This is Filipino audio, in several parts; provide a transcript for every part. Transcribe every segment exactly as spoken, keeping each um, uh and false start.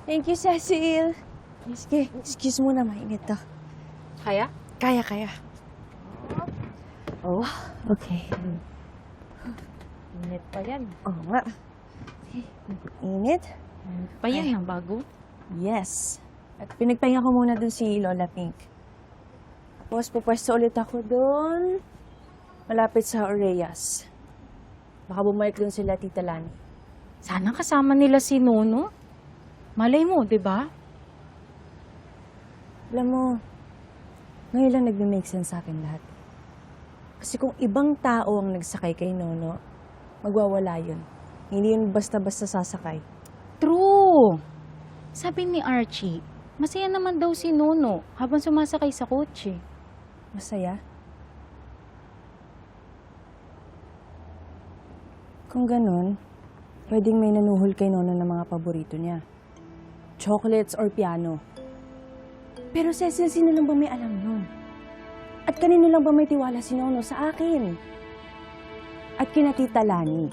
Thank you, Cecil. Sige, excuse muna, mainit to. Kaya? Kaya, kaya. Oh, okay. Init pa yan. Oo nga. Init? Init pa yan, ang bago. Yes. At pinagpahinga ko muna dun si Lola Pink. Tapos pupwesto ulit ako dun, malapit sa Oreyas. Baka bumalik dun sila Tita Lani. Sana kasama nila si Nono. Malay mo, di ba? Alam mo, ngayon lang nagme-make sense sa akin lahat. Kasi kung ibang tao ang nagsakay kay Nono, magwawala yun. Hindi yun basta-basta sasakay. True! Sabi ni Archie, masaya naman daw si Nono habang sumasakay sa kotse. Masaya? Kung ganun, pwedeng may nanuhol kay Nono ng mga paborito niya. Chocolates or piano. Pero Cecil, sino lang ba may alam nun? At kanino lang ba may tiwala si Nono sa akin? At kina Tita Lani.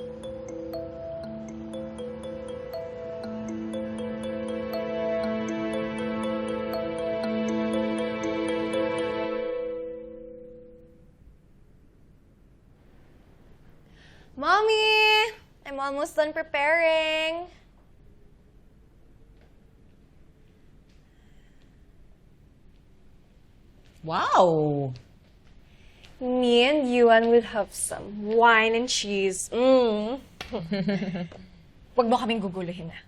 Mommy! I'm almost done preparing. Wow! Me and Yuan would have some wine and cheese. Mmm. Huwag mo kaming guguluhin na.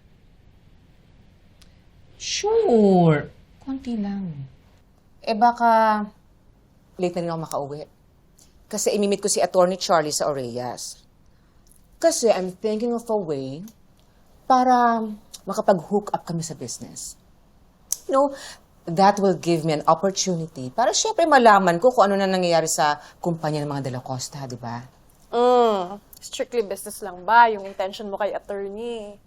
Sure. Konti lang. Eh baka late na rin ako makauwi. Kasi imimit ko si Attorney Charlie sa Oreyas. Kasi I'm thinking of a way para makapag-hook up kami sa business. You know, that will give me an opportunity para syempre malaman ko kung ano na nangyayari sa kumpanya ng mga De La Costa, di ba? Mm. Strictly business lang ba yung intention mo kay attorney?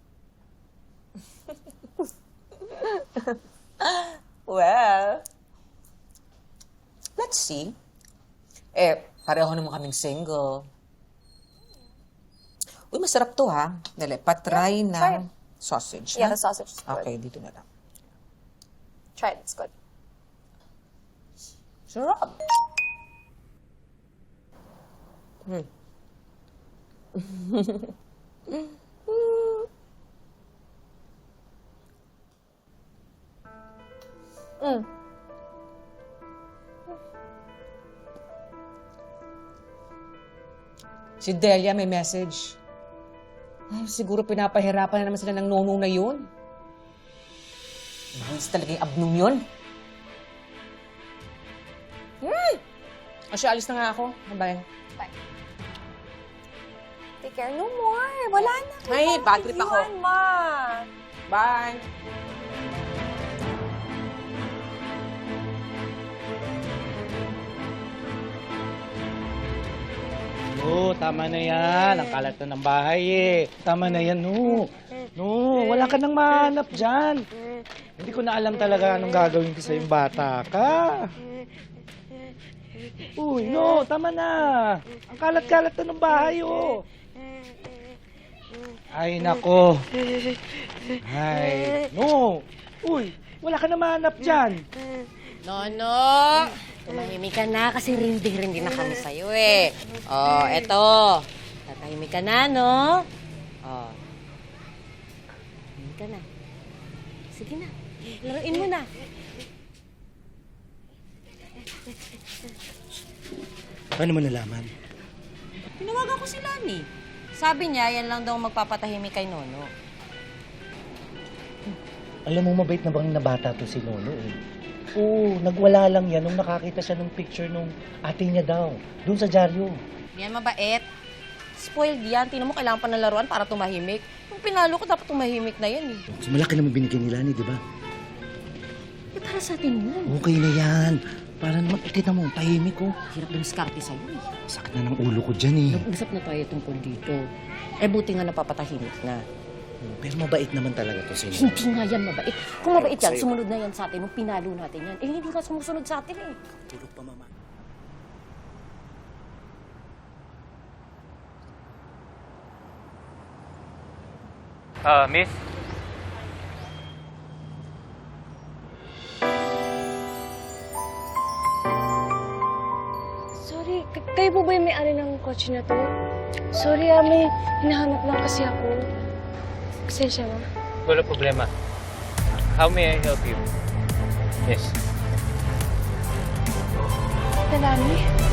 Well, let's see. Eh, pareho naman kaming single. Uy, masarap to ha. Dali, patry Yeah, try ng sausage. Yeah, ha? the sausage is good. Okay, dito na lang. Try it, it's good. Sarap. Hmm. Mm. Si Delia may message. Ay, siguro pinapahirapan na naman sila ng nono na yun. Mahis talaga yung abnong yun. Hmm! Asya, alis na nga ako. Bye. Take care. No more. Wala na. Ay, bad trip ako. Yuan, ma. Bye! Oo, tama na yan. Ang kalat na ng bahay eh. Tama na yan, no. No, wala ka nang mahanap dyan. Hindi ko na alam talaga anong gagawin ko sa yung bata ka. Uy, no, tama na. Ang kalat-kalat na ng bahay, oh. Ay, nako. Ay, no. Uy, wala ka na mahanap dyan. Nono! Tumahimik ka na kasi rindi-rindi na kami sa'yo eh. Oh, eto. Tatahimik ka na, no? Oh. Tahimik ka na. Sige na. Laruin mo na. Paano mo nalaman? Tinawagan ko si Lani. Sabi niya, yan lang daw magpapatahimik kay Nono. Alam mo, mabait na bang na bata to si Nono eh. Oo, nagwala lang yan nung nakakita siya ng picture nung ate niya daw. Doon sa dyaryo. Yan mabait. Spoiled yan. Tingnan mo, kailangan pa ng laruan para tumahimik. Kung pinalo ko, dapat tumahimik na yan eh. So, malaki naman binigyan ni Lani, di ba? Eh, para sa atin yun. Okay na yan. Para naman, itin mo, tahimik ko. Hirap ng skarte sa'yo eh. Sakit na ng ulo ko dyan eh. Nag-usap na tayo tungkol dito. Eh, buti nga napapatahimik na. Pero mabait naman talaga to si Hindi nga yan mabait. Kung mabait yan, Sa'yo. sumunod na yan sa atin. Nung pinalo natin yan. Eh, hindi ka sumusunod sa atin eh. Tulog pa, mama. Ah, miss? Kayo po ba yung may-ari ng kotse na to? Sorry ah, may hinahanap lang kasi ako. Pasensya na. Wala problema. How may I help you? Yes. Nalami?